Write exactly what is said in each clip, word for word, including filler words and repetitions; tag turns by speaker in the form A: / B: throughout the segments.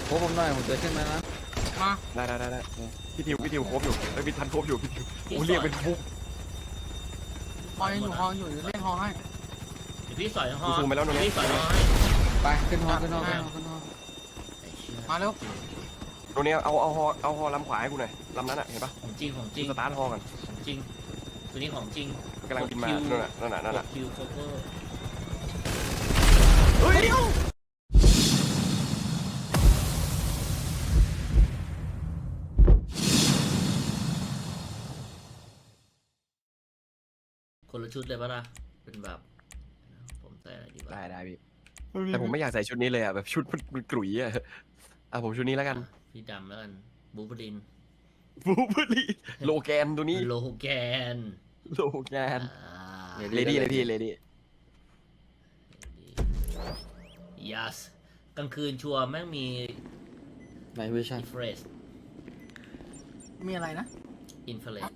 A: โอ้ผมหน่อยผมเจอขึ้นมานะ
B: มา
C: ได้ได้ได้ได้พี่ทิวพี่ทิวครบอยู่ไอ้พี่ทันครบอยู่พี่ทิวโอ้เรียกเป็นฟุก
B: ฮออยู่ฮออยู่เล่นฮอให้
D: เดี๋ยวพี่สอยฮอ
C: ซูมไปแล้วตรงนี้
D: พี่สอยฮอให้
A: ไปขึ้นฮอขึ้นฮอขึ้นฮอขึ้นฮอ
B: มาเร็ว
C: ตรงนี้เอาเอาฮอเอาฮอลำขวาให้กูหน่อยลำนั้นอ่ะเห็นปะ
D: ของจริงของจริง
C: สตาร์ทฮอกัน
D: ของจริงตัวนี้ของจริง
C: กำลังบินมานั่นน่ะนั่นน่ะนั่นน่ะ
D: คิวโคเวอร์
C: เฮ้ย
D: คนละชุดเลยปะล่ะเป็นแบบผมใส่อะไรดีวะ
C: ได้ได้พี่แต่ผมไม่อยากใส่ชุดนี้เลยอ่ะแบบชุดมันกลุ่ยอ่ะอ่ะผมชุดนี้แล้วกัน
D: พี่ดำแล้วกันบูบลิน
C: บูบลีโลแกนตัวนี้
D: โลแกน
C: โลแกนเลดี้เลยพี่เลดี้
D: ยัสกลางคืนชัวร์แม่งมี
A: ไนท์วิชั่น
D: อินฟราเรด
B: มีอะไรนะ
D: อินฟราเรด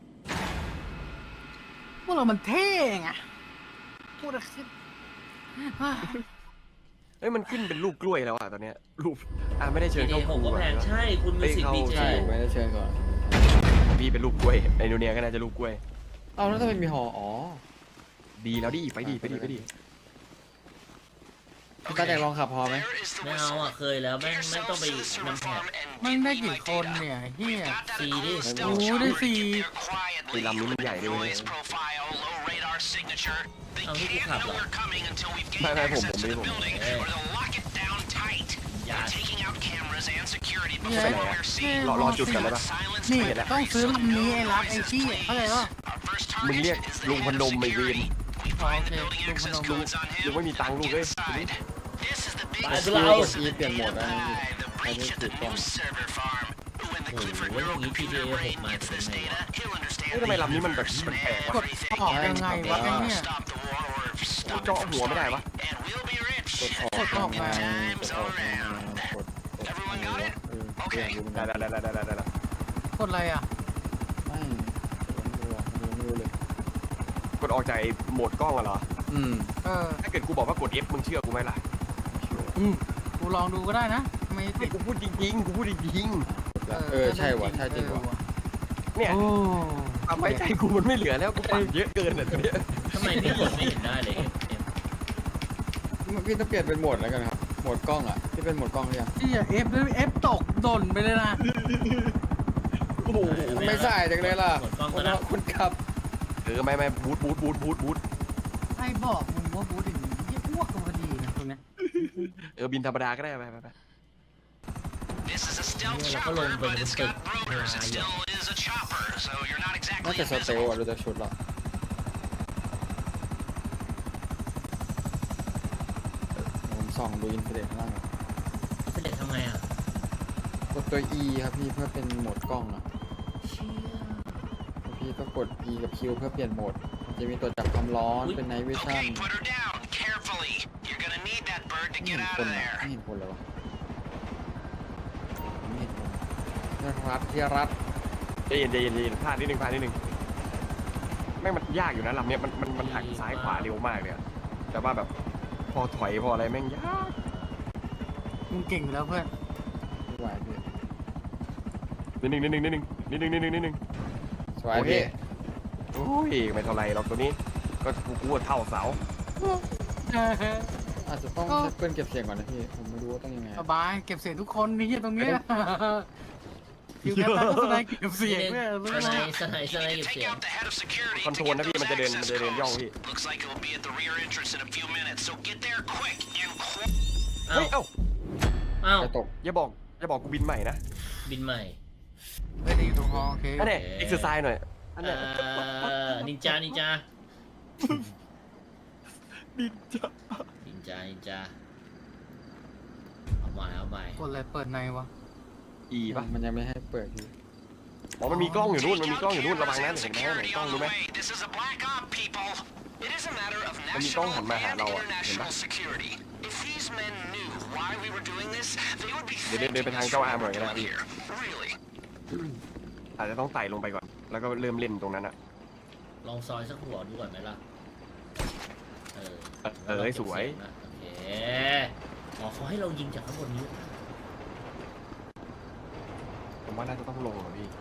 B: พวกเรามันเท่ไงพูดอะไร
C: เฮ้ยมันขึ้นเป็นลูกกล้วยแล้วอ่ะตอนเนี้ยรูปอ่ะไม่ได้เชิญเข้า
D: หกก็แพงใช่คุณมิวสิกดีเจ
A: ไม่ได้เชิญก่อน
C: พี่เป็นลูกกล้วยไอโนเนียก็น่าจะลูกกล้วย
A: เอาแล้วทำไมมีหออ๋อ
C: ดีแล้วดิไปดิไปดิไปดิ
A: พี่ตาแดงลองขับพอไหม
D: ไม่เอาอ่ะเคยแล้วแม่งแม่งต้องไปนำแผน
B: มันได้กี่คนเนี่ยเฮีย
D: ซีดิ
B: โอ้ได้สี่
C: ตีลำนี้มันใหญ่ด้วย
D: เอาที่กูขับเหรอ
C: ไม่ไม่ผมผมไม่ผมรอรอจุดกันเลยปะ
B: นี่ต้องซื้อลำนี้ไอ้รักไอ้ที่เข้าใจป่ะ
C: มึงเรียกลุงพนมไม่เวียน
B: โอเคลุงพนมลุง
C: ลุงไม่มีตังค์ลูกเลย
D: ไปเรา
A: อีเปลี่ยนโหมดแล้วอันนี้ถูกต้อง
D: โอ้โหอย่างนี้ พี ที เอ หกมาจะเป็นไงวะ
C: ทำไมลำนี้มันแบบมันแปลกวะ
B: กดออกยังไงวะไอ้เนี่ย
C: เจาะหัวไม่ได้วะ
A: กดออกมากดออกมากดกด
C: ได้ได้ได้ได้ได้ได้
B: กดอะไรอ่ะ
A: ไม่ไม่รู้เลย
C: กดออกจากโหมดกล้องอะเหรอ
A: อืม
B: เออ
C: ถ้าเกิดกูบอกว่ากด F มึงเชื่อกูไหมล่ะ
B: อืมกูลองดูก็ได้นะไม่ติด
C: กูพูดจริงๆกูพูดจริง
A: ๆเออใช่ว่ะใช่จริงว่ะ
C: เนี่ยทำไมใจกูมันไม่เหลือแล้วกูปั่นเยอะเกินอ่ะตัวเนี้ย
D: ทำไมพี่กดไม่เห็นได้เลย
A: พี่ต้องเปลี่ยนเป็นโหมดแล้วกันครับโหมดกล้องอ่ะที่เป็นโหมดกล้องหรือยัง
B: ที่เอฟเอฟตกดนไปเลยนะ
C: โอ้โห
A: ไม่ใส่จังเลยล่ะคุณขับ
C: เออไม่ไม่บูทบูทบูทบูทบูท
B: ใครบอกมึงว่าบูทอย่างนี้ยี่อ้วกตัวดีนะตรงนี้
C: เออบินธรรมดาก็ได้ไปไปไป
D: แล้วก็ลงไปในตึก
A: น่าจะสเตลอะดูจากชุดหรอผมส่องดูอินเทอร์เน็ตข้างล่าง
D: อินเทอร์เน็ตทำไงอ่ะ
A: กดตัว E ครับพี่เพื่อเป็นโหมดกล้องอ่ะพี่ก็กด E กับ Q เพื่อเปลี่ยนโหมดจะมีตัวจับความร้อนเป็น Night Vision ไม่เห็นคนไม่เห็นคนเลยวะไม่เห็นคนรัดที่รัด
C: ใจเย็นใจเย็นใจเย็นพลาดนิดนึงพลาดนิดนึงไม่มันยากอยู่นะลำเนี้ยมันมันมันหักซ้ายขวาเร็วมากเลยแต่ว่าแบบพอถอยพออะไรแม่งยาก
B: มึงเก่งอยู่แล้วเพื่อน
A: สวยพี่
C: นิดนึงนิดนึงนิดนึงนิดนึงนิดนึงนิดนึง
A: สวยพี่
C: โอ้ยไม่เท่าไรหรอกตัวนี้ก็กูกูเท่าเสา
A: อาจจะต้องเพื่อนเก็บเสียงก่อนนะพี่ผมไม่รู้ว่าต้องยังไง
B: สบายเก็บเสียงทุกคนนี่ตรงนี้คิวแคปก็สไนเก็บเสียงเนี่ย
D: สไนสไนสไนเก็บเสียง
C: คอนโทรลนะพี่มันจะเดินมันจะเดินย่องพี่เฮ้ยเอ้า
D: อ้าว
A: ตก
C: อย่าบอกอย่าบอกกูบินใหม่นะ
D: บินใหม่
B: ไม่ได้อยู่ตรงฮอโอเค
C: อันนี้เอ็กซ์ไซส์หน่อย
D: อันนี้นินจานินจา
C: นินจา
D: นินจานินจาเอาใหม่เอาใหม่
B: กดอะไรเปิดในวะ
C: อีป่ะ
A: มันยังไม่ให้เปิดอยู่
C: อ๋อมันมีกล้องอยู่นู่นมันมีกล้องอยู่นู่นระวังนะเห็นไหมเห็นกล้องรู้ไหมมันมีกล้องหันมาหาเราอ่ะเห็นปะเดี๋ยวเดินไปทางเจ้าอาร์มหน่อยก็ได้พี่อาจจะต้องไต่ลงไปก่อนแล้วก็เริ่มเล่นตรงนั้นอะ
D: ลองซอยสักหัวดูก่อนไหมล่ะเออ
C: เออสวย
D: โอเคอ๋อเขาให้เรายิงจากข้างบนนี้
C: ผมว่าน่าจะต้องลงอ่ะพี่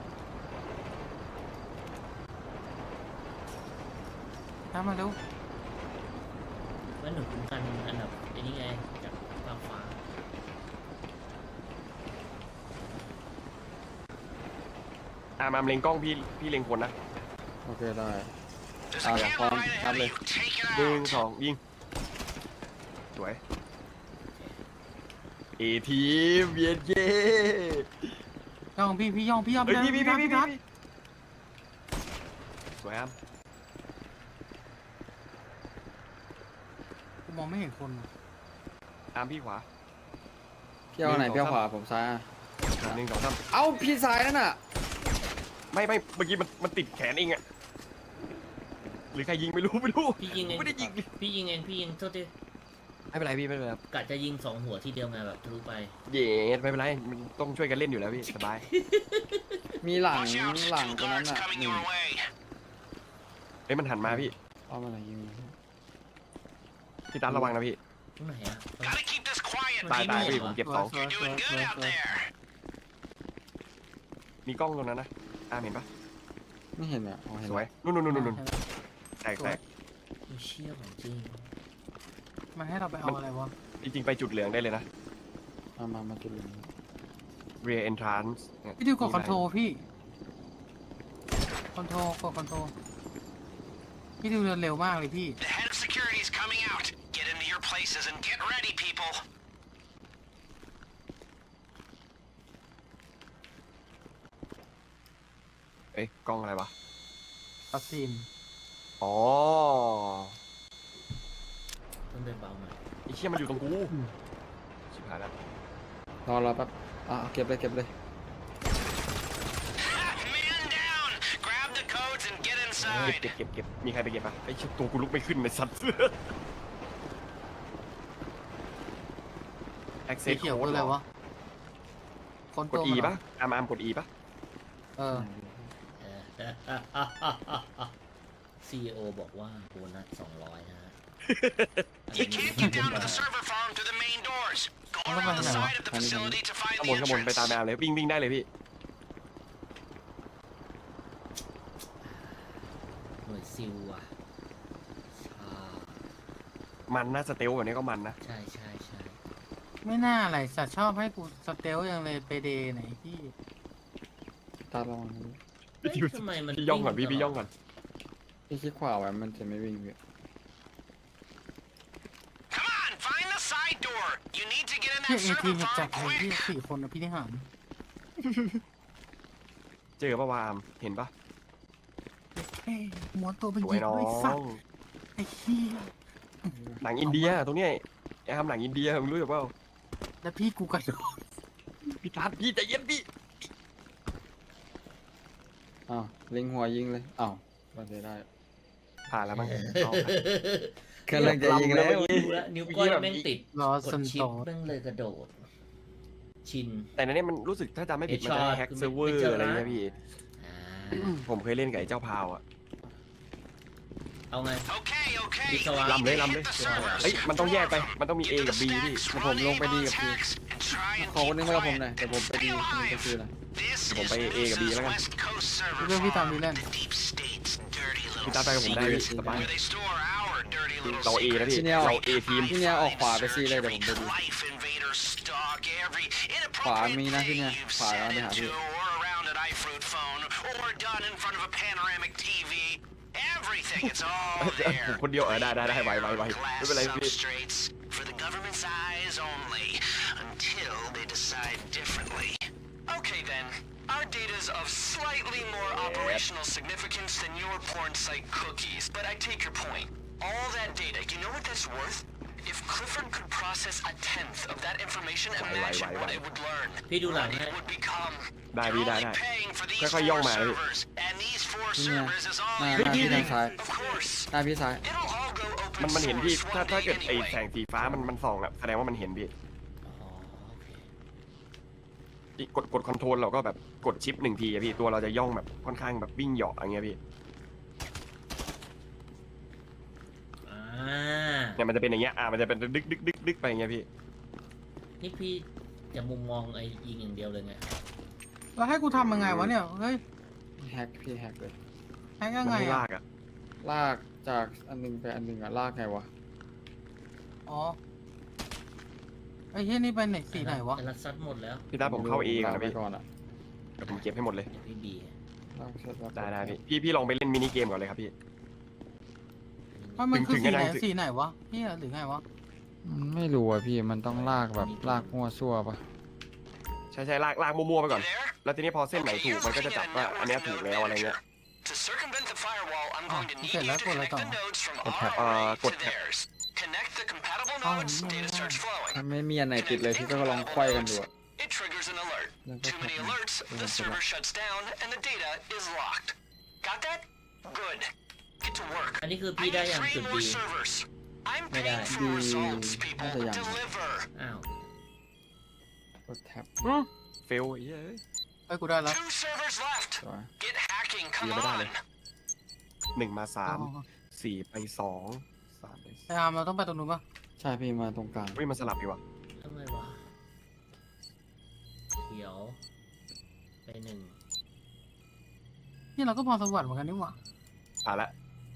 B: ตามมาเร็ว
D: ว่าหนูคุ้มกันอันดับไอ้นี่ไงจากฟ้าฟ้า
C: อ่ะมาเล็งกล้องพี่พี่เล็งคนนะ
A: โอเคได้อ่าพร้อมนับเลย
C: หนึ่งสองยิงสวยเอทีมเบียนเย่
B: ย่องพี่พี่ย่องพี่ย่อง
C: เฮ้ยพี่พี่พี่พี่
B: นัด
C: พี่สวยครับ
B: กูมองไม่เห็นคนว่ะ
C: ตามพี่ขวา
A: พี่เอาไหนพี่เอาขวาผมซ้ายอ่ะ
C: หนึ่งสองสาม
A: เอ้าพี่ซ้ายนั่นน่ะ
C: ไม่ไม่เมื่อกี้มันมันติดแขนเองอะหรือใครยิงไม่รู้ไม่รู้
D: พี่ยิงเอง
C: ไม่ได้ยิง
D: พี่ยิงเองพี่ยิงโทษที
C: ไม่เป็นไรพี่ไม่เป็นไรครับ
D: กะจะยิงสองหัวทีเดียวไงแบบทะลุไป
C: เย็ดไม่เป็นไรมันต้องช่วยกันเล่นอยู่แล้วพี่สบาย
A: มีหลังหลังตรงนั้นน่ะหนึ่ง
C: เฮ้ยมันหันมาพี่
A: เอามาไหนยิง
C: พี่ตาระวังนะพี่
D: ตรงไหนอ่ะ
C: ตายตายพี่ผม
D: เ
C: เก็บสอง
B: สวยสวยสวยสวย
C: มีกล้องตรงนั้นนะตามเห็นปะ
A: ไม่เห็นอ่ะอ๋อเห็น
C: สวยนู่นนู่นนู่นนู่นแตกแตก
D: เชี่ยของจริง
B: มันให้เราไปเอาอะไรวะ
C: จริงๆไปจุดเหลืองได้เลยนะ
A: มามามาจุดเหลือง
C: rear entrance
B: พี่ดิวกดคอนโทรพี่คอนโทรกดคอนโทรพี่ดิวเดินเร็วมากเลยพี่
E: The head of security is coming out. Get into your places and get ready, people.
C: เอ้ยกล้องอะไรวะ
B: ปัสซีน
C: อ๋อ
D: ต้องเดินเบาหน่อย
C: ไอ้เชี่ยมันอยู่ตรงกูชิบหายแล้ว
A: รอรอแป๊บอ่ะเก็บเลยเก็บเลย
E: Man down. Grab the codes and get
C: เก็บ
E: inside.
C: เก็บเก็บเก็บมีใครไปเก็บปะไอ้เชี่ยตัวกูลุกไม่ขึ้นในสัตว์
B: สี
C: access
B: เขียว
C: code
B: คืออะไรวะคน
C: ก
B: ตั
C: ด
B: ว
C: E
B: มันเหร
C: ปะอามอามกด E ปะ
B: เออ
D: ซีอีโอบอกว่าโบนัสสองร้อยนะฮะ
E: You can't get down to the server farm through the main doors. Go around the side of the facility to find
C: ข้าง
E: the
C: บนข้างบนไปตาม
E: entrance.
C: แมวเลยวิ่งวิ่งได้เลยพี่
D: หน่วยซิลอ่ะชา
C: มันนะสเตลแบบนี้ก็มันนะ
D: ใช่ใช่ใช่
B: ไม่น่าอะไรสัตว์ชอบให้กูสเตลยังเลยไปเดย์ไหนพี่
A: ตาลอง
D: เฮ้ยทำไมมัน
C: พี่ย่องก่อนพี่พี่ย่องก่อน
A: พี่คลิกขวาไว้มันจะไม่วิ่งพี่
E: Come on, find the side door. You need to get in
B: พี่
E: that
B: เอที
E: server
B: จัด
E: farm
B: เลยพี่
E: quick.
B: สี่คนนะพี่ที่หาร
C: เจอปะวามเห็นปะ
B: เฮ้ยม้วนตัวเป็น
C: สวย
B: ยิง
C: น้อ
B: ไอ้สัต
C: ง
B: ว์ไอ้เหี้ย
C: หนังอินเดียตรงเนี้ยไอ้ทำหนังอินเดียมึงรู้จักเปล่า
B: แล้วพี่กูกระโดด
C: พี่ทัดพี่ใจเย็นพี่
A: อ้าวเล็งหัวยิงเลยอ้าวมันจะได้
C: ผ่านแล้วมั้ง
A: กำลังจะยิงแล้ว
D: ดูแลวนิ้วก้อยแม่งติด
B: รอก สั
D: ด
B: น
D: ชิ
B: โต
D: ปแม่งเลยกระโดด ชิน
C: แต่ในนี้มันรู้สึกถ้าจำไม่ผิดมันจะ
D: Headshot
C: แฮ็ก
D: คือ
C: เซิร์ฟเวอ
D: ไม่
C: ร์
D: เจอ
C: อะไร
D: นะ
C: เงี้ยพี่
D: อ่า
C: ผมเคยเล่นกับไอ้เจ้าพาวอ่ะ
D: เอาไง
E: Okay, okay.
D: It's all right.
E: You
C: ลำเลย
E: need to
C: ลำเลย
E: hit the servers.
C: เฮ้ยมันต้องแยกไปมันต้องมี A
E: Get to
C: กับ
E: the
C: B พี่
E: stacks,
A: ผมลง
E: run
A: ไป
E: aim
A: ดี
E: on
A: กับพี่
E: tags, and try and
A: ขอคน
E: keep
A: นึงมากับผม
E: quiet.
A: หน่อยเดี๋ยวผมไปดี
E: Stay
A: นี่
E: alive.
A: ก็คืออะไร
E: This
C: ผม
E: is
C: ไป A กับ B
E: Medusa's
C: แล้วกัน
E: West Coast server
B: เรื่องพี่ตาม
E: farm.
B: ดีเล่น
E: The deep state's dirty
C: พี่
E: little
C: ตามไปกับผมได้พี่
E: secret
C: สบาย
E: where they store our dirty little
C: เรา A นะพี่
A: ที่เนี่ย
C: เรา A ทีม
A: ที่เนี่ยออกขวาไปซีเลยเดี๋ยวผมไปดู
E: Life Invader stock, every
A: ขวา
E: inappropriate
A: มีนะที่เนี่ย
E: thing you've
A: ขวา
E: said
A: แล้วไปหา
E: into
A: พี่
E: or around an iFruit phone or done in front of a panoramic ที วี Everything, it's all
C: ผม
E: there.
C: คนเดียวเออได้ได้ได้ไหวไหวไหว
E: Glass
C: ไม่เป็นไรพี่
E: substrates for the government's eyes only until they decide differently. Okay then, our data's of slightly more operational significance than your porn site cookies, but I take your point. All that data, you know what that's worth? If Clifford could process a tenth of that information,
C: Why, why,
E: imagine
C: why,
E: what
C: why?
E: it would learn.
D: พี่ดูหลัง
E: What
D: ให้
E: it would become.
C: ได้
E: You're
C: พี่ได้
E: only
C: ได้
E: paying for these
C: ค่อยๆย่อง
E: four
C: มาเลย
E: servers, and these four
A: ที่เนี่ย
E: servers is all
A: หน้า
E: you're
A: หน้าพี่ทาง
E: getting.
A: ซ้าย
E: Of course,
A: หน้าพี่ซ้าย
E: it'll all go open
C: มันมันเห็นพี่
E: source
C: ถ้า
E: one
C: ถ้า
E: day
C: เกิดไอ้
E: anyway.
C: แสงสีฟ้ามันมันส่องอะแสดงว่ามันเห็นพี่
D: อ๋อโอเค
C: กดกดคอนโทรลเราก็แบบกดชิปหนึ่งทีอะพี่ตัวเราจะย่องแบบค่อนข้างแบบวิ่งเหยาะอย่างเงี้ยพี่
D: อ่า
C: เนี่ยมันจะเป็นอย่างเงี้ยอ่ะมันจะเป็นดึกดึกดึกดึกไปอย่างเงี้ยพี่
D: นี่พี่จะมุมมองไอ้ยิงอย่างเดียวเลยไง
B: แล้วให้กูทำยังไงวะเนี่ยเฮ้ย
A: แฮกพี่แฮกเลย
B: แฮก
C: มั
B: ยัง
C: น
B: ไง
C: ไม่
B: อะ
C: ลากอ่ะ
A: ลากจากอันหนึงไปอันหนึงอะลากไงวะ
B: อ๋อไอ้เฮียนี่ไปไหนสีไหนวะ
D: ไอ้รัดซัดหมดแล้ว
C: พี่ตาผมเข้าเอก่อน
A: ลาก
C: นะ
A: ไป
C: พี่
A: ก่อนอะ
C: เดี๋ยวผมเก็บให้หมดเลย
D: เดี๋ยวพี่บี
A: ลากเสร็จแล้ว
C: ได้ได้พี่พี่พี่ลองไปเล่นมินิเกมก่อนเลยครับพี่
B: มันมันคือ
C: ถึง
B: สี
C: จะ
B: ไหน
C: นั่ง
B: สีไหนวะเฮียหรือไงวะ
A: มันไม่รู้อะพี่มันต้องลากแบบลากมั่วซั่วปะ
C: ใช่ใช่ลากลากมั่วๆไปก่อน
E: You there?
C: แล้วทีนี้พอเส้นไหน
E: Okay,
C: ถูก
E: you're
C: มันก็จะ
E: looking
C: จับ
E: at a
C: ว่าอันเนี้ย
E: network
C: ถูก
E: of
C: แล้วอะไรเงี้ย
E: databases. To circumvent the firewall, I'm
B: Ah,
E: going to
B: you
E: need
B: said
E: you
B: left
E: to
B: or right
E: connect the
B: on?
E: nodes from
A: Okay.
E: our
C: Uh,
E: array
C: good
E: to
C: tap.
E: theirs. Connect the compatible
B: Oh,
E: nodes,
B: no,
E: data
B: no.
E: starts flowing.
A: ถ้าไม่มีอันไหนติดเลยพี่ก็ลองไขว้กันดูอะ
E: It triggers an alert.
A: Then
E: Too many
A: what
E: alerts,
A: happens?
E: the server shuts down, and the data is locked. Got that? Good. Get to work.
D: อันนี้คือ
E: I
D: พี่ได้
E: need
D: ยัง
E: three
D: จุด
E: more
D: บี
E: servers. I'm
D: Mày
E: paying
D: đã.
E: for
A: Đi-
E: results, people.
A: Bây giờ dàn.
E: Deliver.
D: อ้าว
A: กดแท็บ
C: เฟลไอ้เหี้ยเอ้ย
B: ไอ้ยกูได้แล้ว
E: Two servers left.
A: สวย
E: Get hacking. Come
C: Iya, benar
E: on.
C: deh. หนึ่งมาสาม
B: อ๋อ
C: สี่ไปสองสามไป
B: ไอ้อาร์มเราต้องไปตรงนู้นปะ
A: ใช่พี่มาตรงกลาง
C: เฮ้ยมันสลับดีว่ะ
D: ทำไมวะเขียวไปหนึ่ง
B: นี่เราก็พอสวรรค์เหมือนกันนี่หว่า
C: ผ่านละ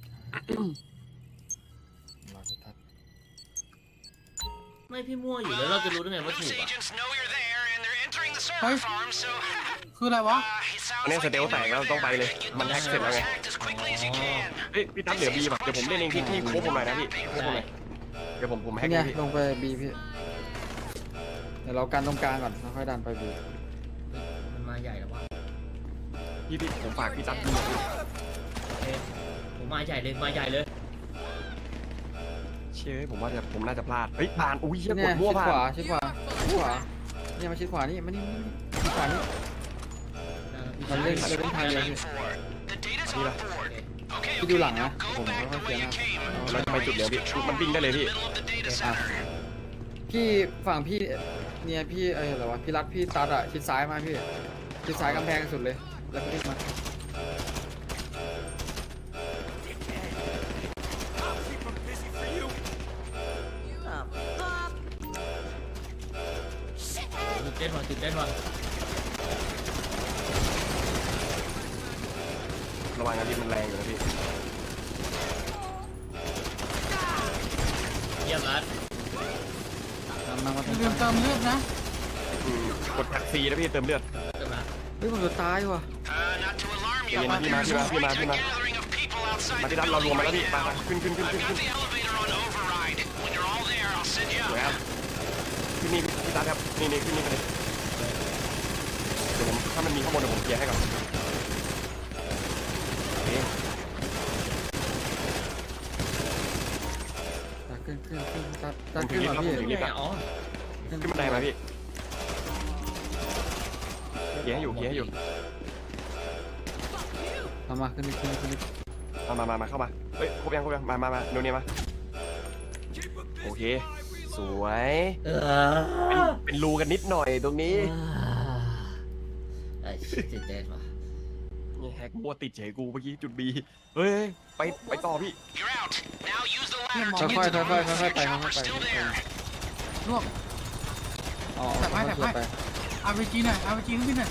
A: เราจะทัด
D: ไม่พี่มั่วอยู่แล้วเราจะรู้ได้ไงว่าถู
E: Loose
D: กอ่ะ
E: agents know you're there, and they're entering the server
B: Hey.
E: farm, so
B: คืออะไรวะ
E: uh, it sounds
C: อันนี้
E: like
C: สเตล
E: they
C: แต
E: know
C: กแล้ว
E: you're
C: ต้องไป
E: there.
C: เลย
E: Get
C: มัน
E: those
C: แฮกเสร็จแล้ว
E: servers
C: ไง
E: hacked as quickly as you can.
C: เฮ้ยพี่ตั้มเหลือบีป่ะเดี๋ยวผมเล่นเองที่ที่โค้งผมหน่อยนะพี่โค้งผมหน่อยเดี๋ยวผมผมแฮก
A: เนี่
C: เอย งพี่
A: ลงไปบีพี่เดี๋ยวเรากันตรงกลางก่อนแล้วค่อยดันไปบี
D: มันมาใหญ่แล้ววะ
C: พี่พี่ผมฝากพี่ตั้มดูหน่อยพี่
D: โอเคผมมาใหญ่เลยมาใหญ่เลย
C: เชื่อผมว่าจะผมน่าจะพลาดเฮ้ยผ่านอุ้ยเชี่ยก
A: เนี่ย
C: ดมั่ว
A: ชิด
C: ผ่า
A: ขวาน ชิดขวาชิดขวาเนี่ยมาชิดขวานี่มานี่มานี่ชิดขวานี่ มันเล่นมันเล่นทางเดียวพี่
E: The data's
C: Đi
E: on
C: đâu?
E: board. Okay,
A: พี่ดู
E: okay,
A: หลัง
E: now
A: นะ
E: go
A: ผม
E: back
A: ค่อย
E: the
A: ๆเคลี
E: way
A: ยร์
E: you
A: นะ
E: came.
C: เราจะไปจุดเดียวพี่มันวิ่งได้เลยพี่
E: Middle of the data
A: อ่ะ
E: center.
A: พี่ฝั่งพี่เนี่ยพี่เอออะไรวะพี่รัดพี่ตัดอะชิดซ้ายมาพี่ชิดซ้ายกำแพงสุดเลยแล้วพี่มา
D: ตื่นเต้นว่ะตื่นเต้นว่ะ
C: ระวังนะพี่มันแรงอยู่นะพี่
D: เยี่ยมรัด
A: นำมามา
B: อ
A: ตร
B: ย่าง ลืม
A: กลาง
B: เติมเลือดนะ
C: อืมกดแท็กซีนะพี่เติมเลือด
D: เติมละ
A: เฮ้ยผมจะตายว่ะ
E: Uh, not to alarm you,
C: Đi
E: but
C: mà, đi mà,
E: there's
C: đi mà,
E: a
C: đi mà, đi mà.
E: gathering of people outside
C: มา
E: the
C: ที่ด้านเราร
E: building
C: วมมาแล้ว
E: right
C: พี่มา
E: now.
C: มาขึ้นขึ้นขึ้น
E: I've
C: ขึ้นขึ้
E: got
C: น
E: the elevator on override. When you're all there, I'll send you
C: สวย
E: up.
C: ครับขึ้นนี่พี่ตาครับนี่นี่ขึ้นนี่ไปเลยเดี๋ยวผมถ้ามันมีข้างบนเดี๋ยวผมเคลียร์ให้ก่อนโอเค
A: ตัดขึ้นขึ้นขึ้นตัด
C: ผ
A: ตัด
C: มถึ
A: ขึ้
C: ง
A: น
C: ลิฟ
A: มา
C: ต์แล้วผม
A: พี่
C: ถึงลิฟต์แล้ว
D: อ๋อ
C: ขึ้นบันไดมาพี่เคลียร์ให้อยู่เคลียร์ให้อยู่
A: มามาขึ้นนี่ขึ้นนี่ขึ้นนี่
C: มามามามาเข้ามาเฮ้ยครบยังครบยังมามามาโนเนียมาโอเคสวย
D: เอ
C: เป็น
D: อ
C: เป็นรูกันนิดหน่อยตรงนี้
D: ไอ้ชิตื่นเต้นว่ะ
C: นี่แฮกมัวติดเฉยกูเมื่อกี้จุดบีเฮ้ยไปไปต่อพี่
E: You're out. Now use the
B: Đi
E: ladder
B: mà.
E: to
A: ค่อย
E: get
A: ๆ
E: to
A: ค่
E: the
A: อยๆ
E: roof
A: ค่อย
E: if
A: ๆไป
E: your
A: ค่อย
E: chopper's
A: ๆไป
E: still
A: ค่อย
E: there.
B: รวบ
A: ๆอ๋อ
B: แต่ไม่
A: ค่อยๆ
B: แต่ไม่
A: ไป
B: อาร์พีจีหน่อยอาร์พีจีขึ้นหน่อย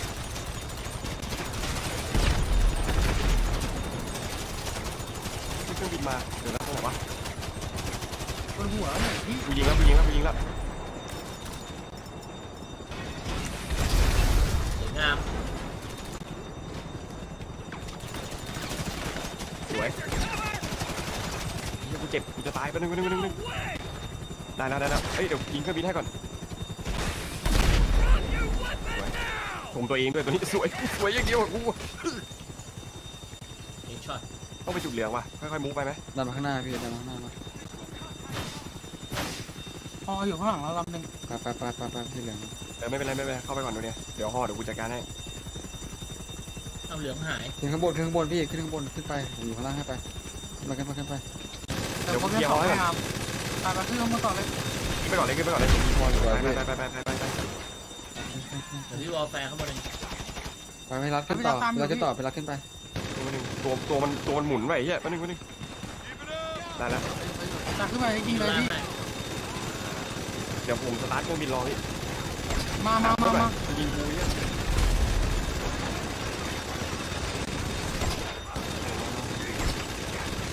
C: ขึ้นเครื่องบินมาเดี๋ยวนะตรงไหนวะ
B: บนหัวเนี่ยพี่
C: กูยิงแล้วกูยิงแล้วกูยิงแล้ว
D: สวยงาม
C: สวยเฮ้ยกูเจ็บกูจะตายไปบนึงไปบนึงไปบนึงไปบนึงได้แล้วได้แล้วเฮ้ยเดี๋ยวยิงเครื่องบินให้ก่อนสวยชมตัวเองด้วยตัวนี้สวยสวยอย่างเดียวอะกู
D: เอ็กช็อต
C: ต้องไปจุดเหลืองว่ะค่อยๆมุกไปไหม
A: ดันมาข้างหน้าพี่ดันมาข้างหน้ามา
B: พออยู่ข้างหลังเราลำหนึ่ง
A: ไปไปไปไปไปพี่เหลือง
C: เออไม่เป็นไรไม่เป็นไรเข้าไปก่อนดูเนี่ยเดี๋ยวห่อเดี๋ยวกูจัดการให้
D: เอาเหลืองหาย
A: ขึ้นข้างบนขึ้นข้างบนพี่ขึ้นข้างบนขึ้นไปผมอยู่ข้างล่างให้ไปขึ้นไปขึ้นไปขึ้นไป
B: แต่ผมจะสองไม่อาร์มตายไปขึ้นลงมาต่อเลย
C: ขึ้นไปก่อนเลยขึ้นไปก่อนเลย
A: พออยู่
C: ไป
A: ไว้
C: ไป
A: พี่
C: ไปไปไปไปไป
D: เดี๋ยวพี่วอลแฟร์เข้ามาเลย
A: ไปไม่รัดขึ้นต่อไปรัดขึ้นต่อไปรัดขึ้นไป
C: ตัวตัวมันตัวมันหมุนไปเฮียมาหนึ่งมาหนึ่งได้แล้ว
B: ตายขึ้นไปยิงเลยพี่
C: เดี๋ยวผมสตาร์ทเครื่องบินรอพี่
B: มามามามา
C: ยิงกูเฮีย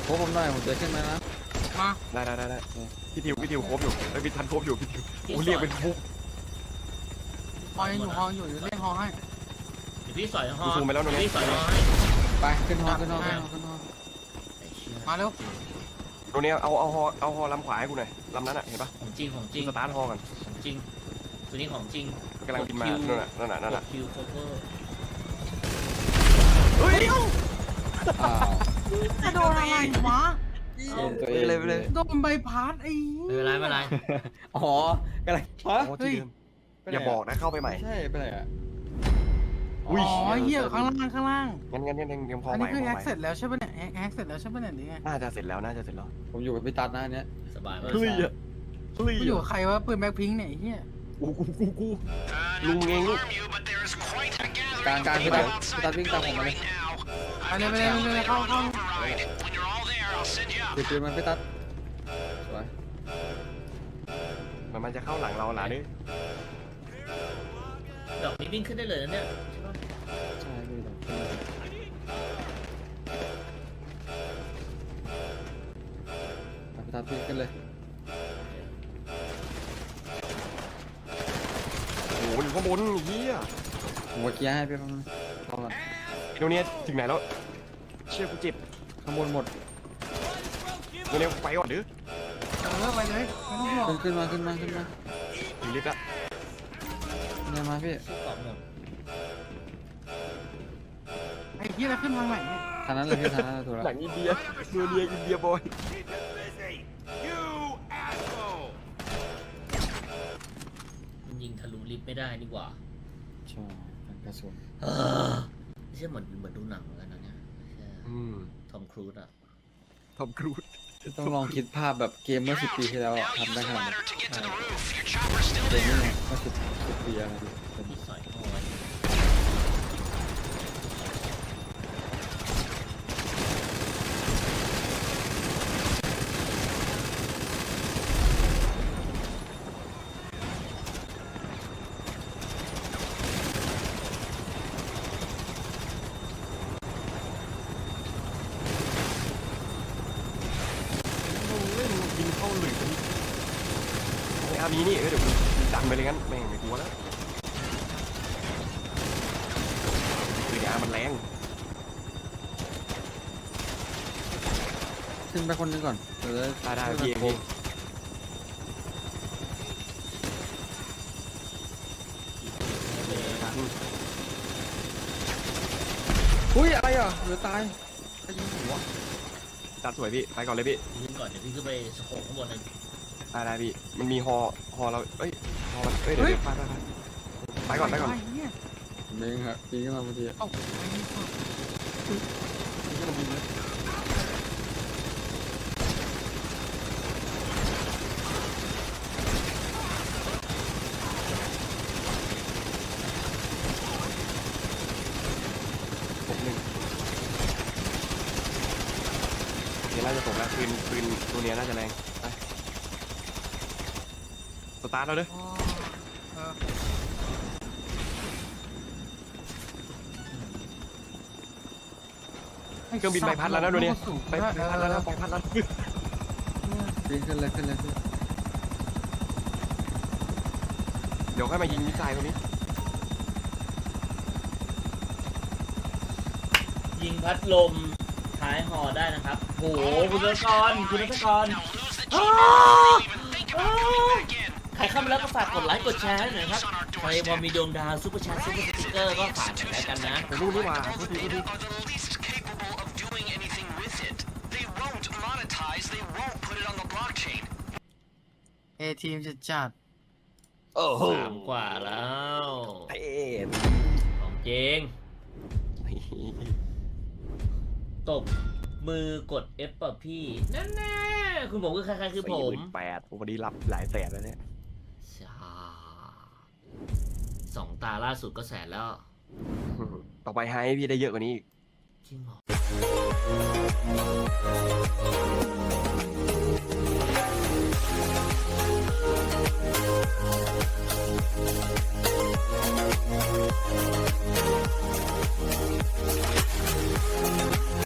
A: โค้ชผมหน่อยผมจะขึ้นมานะ
B: มา
C: ได้ได้ได้ได้พี่ทิวพี่ทิวครบอยู่ไอ้ยพี่ทันครบอยู่พี่ทิวโอ้เรียกเป็นฟุก
B: ฮอยังอยู่ฮออยู่เดี๋ยวเล่นฮอให้
D: เดี๋ยวพี่สอยฮอ
C: กูซูมไปแล้วตรงนี้
D: พี่สอยฮอให้
A: ไปขึ้นฮอขึ้นฮอขึ้นฮอขึ้นฮอ
D: ไอ้เชี่ย
B: มาเร็ว
C: ตรงนี้เอาเอาฮอเอาฮอลำขวาให้กูหน่อยลำนั้นอ่ะเห็นปะ
D: ของจริงของจ
C: กู
D: ริง
C: สตาร์ทฮอกัน
D: ของจริงตัวนี้ของจริง
C: กำลังบินมานั่นน่ะนั่นน่ะนั่นน่ะ
D: คิวโคเวอร์
C: เฮ้ย
A: อ้าว
B: จะโดนอะไรวะ
A: เอ็นตัวเอง
C: เลยไปเลย
B: โดนใบพัดไอ้
D: ไม่เป็นไรไม่เป็นไร
A: อ๋อกำลังฮะ
C: โอ้ที่เดิมอย่าบอกนะเข้าไปใหม่
A: ใช่ไปไหนอ่ะ
C: อุ้ย
B: อ๋อเหี้ยข้างล่างข้างล่าง
C: งั้นงั้นงั้นยังยังพอ
B: อัน
C: ไหว
B: นี้คือ
C: พอ
B: แอ
C: ไห
B: คว เสร็จแล้วใช่ปะเนี่ยแอคแอคเสร็จแล้วใช่ปะเนี่ยหรือไง
C: น่าจะเสร็จแล้วน่าจะเสร็จแล้ว
A: ผมอยู่กับพี่ตัดหน้าเนี้ย
D: สบายมาก
C: เฮ้ยอะเฮ้ย
B: กูอยู่กับใครวะปืนแบ็คพิงค์เนี่ยไอ้เหี้ย
C: กูกูกูกู
E: Uh,
C: Lung
E: not to
C: nghe lúc-
E: alarm you, but there is quite a gathering
A: Càng-
E: of
A: càng
E: people
A: cái đó,
E: outside
A: người ta
E: the
A: biết tao
E: building
A: không
E: right now. I've
B: Đây,
E: got
B: đây,
E: to
B: đây, đây,
E: activate
B: không,
E: an
B: không.
E: override. When you're all there, I'll send you up.
A: ติดปืนมันพี่ตัดสวย
C: มันมันจะเข้าหลังเราหล่ะนี่
D: ดอกนี้วิ่งขึ้นได้เลยนะเนี่ยใช่ปะ
A: ใช่พี่ตัดพี่ตัดพี่ขึ้นเลย
C: โอ้โหอยู่ข้างบนเฮีย
A: ผมว่าเคลียร์ให้พี่ฟังนะรอก่อน
C: ไอ้ตรงเนี้ยถึงไหนแล้วเชี่ยกูเจ็บ
A: ข้างบนหมด
C: ตรงเนี้ยไปก่อนดื้อ
B: เออไปเลยไม่ต้องห่วง
A: ขึ้นขึ้นมาขึ้นมาขึ้นมา
C: ถึงลิฟต์ละ
A: เนี่ยมาพี่
D: สู้กรอบหมด
B: ไอ้เหี้ยแล้วขึ้นทางไหนเนี่ย
A: ทางนั้นเลยพี่ทางนั้นเลยถูกแล้ว
C: หนังอินเดียเมือเรียอินเดียบอย
D: มันยิงทะลุลิฟต์ไม่ได้นี่หว่า
A: ใช่เป็นกระสุน
D: เออไม่ใช่เหมือนเหมือนดูหนังเหมือนกันนะเนี่ยใช่
C: อืม
D: ทอมครูซอะ
C: ทอมครูซ
A: ต้องลองคิดภาพแบบเกมเมื่อสิบปีที่แล้วอะ
E: Now
A: ทำ
E: use
A: ได้
E: the
A: ขนาดนี้
E: ladder to get to the roof. Your chopper's still
A: เกมนี้
E: there.
A: ไงเมื่อสิบสิบปีอะไรดิเป็น
D: พี่สอยฮอไว้
C: เล่นยิงเข้าหลืบไอ้อามีนี่เออเดี๋ยวกูดันไปเลยงั้นแม่งไม่กลัวแล้วคืออามันแรง
A: ขึ้นไปคนหนึงก่อนเดี๋ยว
C: ได้ได้
A: ช่วย
C: พี่
A: กัน
C: เอง
A: โค้
C: พี่
A: งอุ้ยอะไรอ่ะเหลือตายใครยิงหัว
C: ตัดสวยพี่ไปก่อนเลยพี่
D: ยิงก่อนเดี๋ยวพี่ขึ้นไปสโคปข้างบนเลย
C: ได้ได้พี่มันมีฮอฮอเราเอ้ยฮอมันเอ้ยเดี๋ยวเดี๋ยวไปไปไปไปก่อนไปก่อน
B: ไอ้เหี้ย
A: ผมเองครับปีนขึ้นมาพอดี
B: เอ้าไอ้เหี้ย
C: นี่ก็ต้องบินเลยหกหนึ่งเดี๋ยวน่าจะตกแล้วปืนปืนตัวเนี้ยน่าจะแรงไปสตาร์ทแล้วเด้อ
B: อ๋อเออ
C: เครื่องบินใบพัดแล้วนะตัวเนี้ยใบ
B: ไป
C: พัดแล้วนะใบพัดแล้ว
A: ปีนขึ้นเลยขึ้นเลยพี่
C: เดี๋ยวค่อยมายิงมิสไซล์ตรงนี้
D: ยิงพัดลมท้ายฮอได้นะครับโหคุณนัทกรคุณนัทกร
E: Now lose the chopper before you even think about coming back in.
D: ใครเข้ามาแล้วก็ฝากกดไลค์กดแชร์ให้หน่อยครับใครพอมีดวงดาวซุปเปอร์แชร์ซุปเปอร์สติ๊กเกอร์ก็ฝากหน่อยแล้วกันนะ
C: ไปรู้นี่หว่า
E: All
C: โทษ
E: the
C: ทีโทษ
E: data
C: ที
E: are the least capable of doing anything with it. They won't monetize. They won't put it on the blockchain.
B: เอทีมจะจัด
C: โอ้โห
D: สามกว่าแล้ว
C: เท่
D: ของจริงตบมือกด F ป่ะพี่นั่นแน่คุณผมคือใครๆคือผม
C: แปดผมวันนี้รับหลายแสนแล้วเนี่ย
D: ชาสองตาล่าสุดก็แสนแล้ว
C: ต่อไปให้พี่ได้เยอะกว่านี้อีก
D: จริงเหรอ